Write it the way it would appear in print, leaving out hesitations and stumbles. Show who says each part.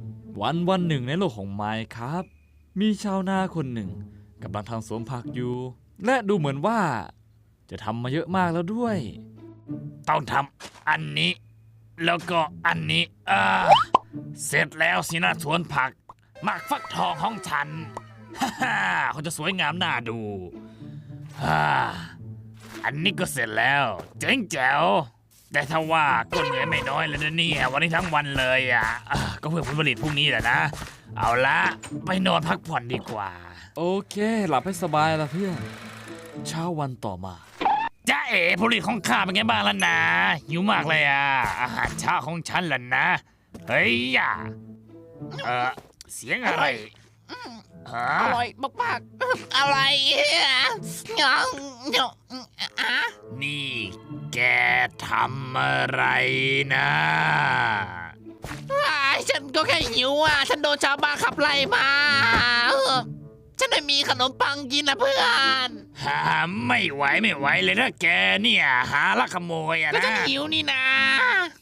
Speaker 1: วันหนึ่งในโลกของไมค์ครับมีชาวนาคนหนึ่งกำลังทำสวนผักอยู่ และดูเหมือนว่าจะทำมาเยอะมากแล้วด้วย
Speaker 2: ต้องทำอันนี้ แล้วก็อันนี้เสร็จแล้วสินะสวนผักหมากฟักทองของฉัน ฮ่าเขาจะสวยงามน่าดูอันนี้ก็เสร็จแล้วเจ๋งแจ๋วแต่ถ้าว่าก็เหนื่อยไม่น้อยเลยนะเนี่ยวันนี้ทั้งวันเลยก็เพื่อผลผลิตพรุ่งนี้แหละนะเอาละไปนอนพักผ่อนดีกว่า
Speaker 1: โอเคหลับให้สบายละเพื่อนเช้าวันต่อมา
Speaker 2: จ้าเอ๋ผลผลิตของข้าเป็นไงบ้างล่ะนะหิวมากเลยอาหารเช้าของฉันล่ะนะเฮ้ยเสียงอะไร
Speaker 3: อร่อยมากๆอะไร
Speaker 2: นี่แกทำอะไรนะ
Speaker 3: ฉันก็แค่หิวฉันโดนชาวบ้านขับไล่มาฉันไม่มีขนมปังกินนะเพื่อน
Speaker 2: ไม่ไหวเลยนะแกเนี่ยหาลักขโมย
Speaker 3: ก็
Speaker 2: นะ
Speaker 3: ฉันหิวนี่นะ